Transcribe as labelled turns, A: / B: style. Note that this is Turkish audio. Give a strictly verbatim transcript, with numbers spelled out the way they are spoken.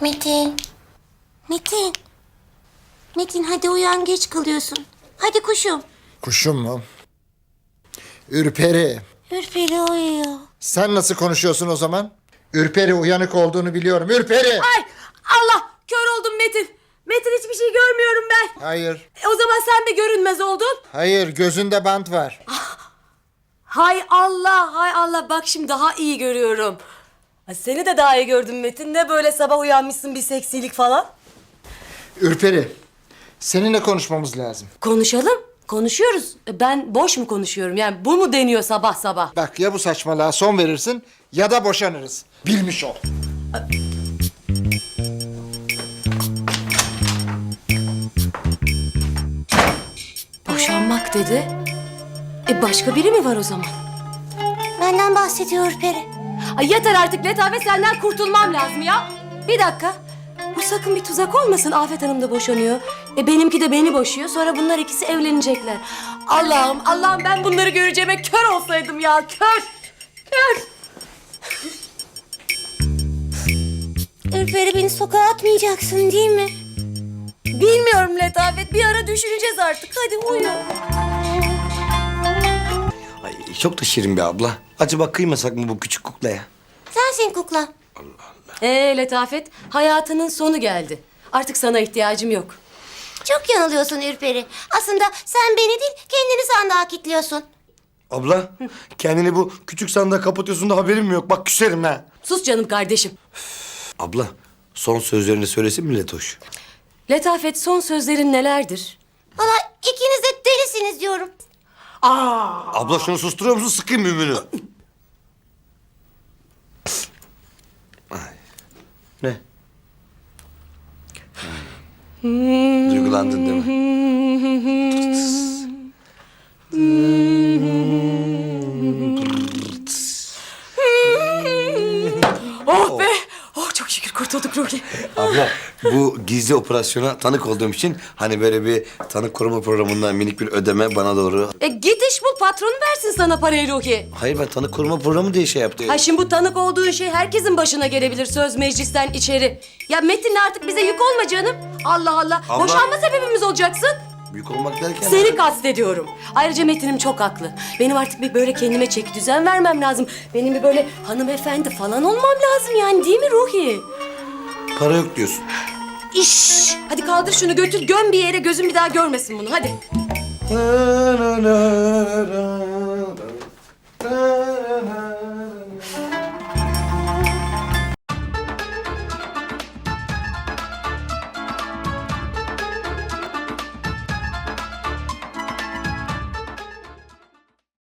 A: Metin. Metin. Metin hadi uyan, geç kalıyorsun. Hadi kuşum.
B: Kuşum mu? Ürperi.
A: Ürperi uyuyor.
B: Sen nasıl konuşuyorsun o zaman? Ürperi uyanık olduğunu biliyorum. Ürperi!
C: Ay Allah, kör oldum Metin. Metin, hiçbir şey görmüyorum ben.
B: Hayır.
C: E, o zaman sen de görünmez oldun.
B: Hayır, gözünde bant var.
C: Hay Allah, hay Allah, bak şimdi daha iyi görüyorum. Ay, seni de daha iyi gördüm Metin. Ne böyle sabah uyanmışsın bir seksilik falan.
B: Ürperi, seninle konuşmamız lazım.
C: Konuşalım, konuşuyoruz. E, Ben boş mu konuşuyorum? Yani bu mu deniyor sabah sabah?
B: Bak ya bu saçmalığa son verirsin ya da boşanırız. Bilmiş ol.
C: Boşanmak dedi. E başka biri mi var o zaman?
A: Benden bahsediyor Ürperi.
C: Ay yeter artık Letafe, senden kurtulmam lazım ya. Bir dakika. Bu sakın bir tuzak olmasın. Afet Hanım da boşanıyor. E benimki de beni boşuyor. Sonra bunlar ikisi evlenecekler. Allah'ım, Allah'ım, ben bunları göreceğime kör olsaydım ya. Kör. Kör.
A: Ürperi, beni sokağa atmayacaksın değil mi?
C: Bilmiyorum Letafet. Bir ara düşüneceğiz artık. Hadi uyu.
D: Ay, çok da şirin bir abla. Acaba kıymasak mı bu küçük kuklaya?
A: Sensin kukla.
C: Ee Letafet, hayatının sonu geldi. Artık sana ihtiyacım yok.
A: Çok yanılıyorsun Ürperi. Aslında sen beni değil, kendini sandığa kilitliyorsun.
D: Abla, kendini bu küçük sandığa kapatıyorsun da haberim mi yok? Bak küserim ha.
C: Sus canım kardeşim.
D: Abla, son sözlerini söylesin mi Letoş?
C: Letafet, son sözlerin nelerdir?
A: Valla ikiniz de delisiniz diyorum.
D: Abla şunu susturuyor musun? Sıkayım mümünü. Ay. Ne? Hmm. Duygulandın değil mi?
C: Oh be! Oh, çok şükür kurtulduk Ruki.
D: Abla, bu gizli operasyona tanık olduğum için hani böyle bir tanık koruma programından minik bir ödeme bana doğru.
C: E git iş bul, patron versin sana parayı Ruki.
D: Hayır, ben tanık koruma programı diye şey yaptım.
C: Ha şimdi bu tanık olduğun şey herkesin başına gelebilir, söz meclisten içeri. Ya Metin artık bize yük olma canım. Allah Allah.
D: Abla.
C: Boşanma sebebimiz olacaksın.
D: Büyük olmak derken...
C: Seni kastediyorum. Ayrıca Metin'im çok haklı. Benim artık bir böyle kendime çeki düzen vermem lazım. Benim bir böyle hanımefendi falan olmam lazım yani, değil mi Ruhi?
D: Para yok diyorsun.
C: İş. Hadi kaldır şunu, götür göm bir yere, gözüm bir daha görmesin bunu, hadi.
D: Na, na, na, na.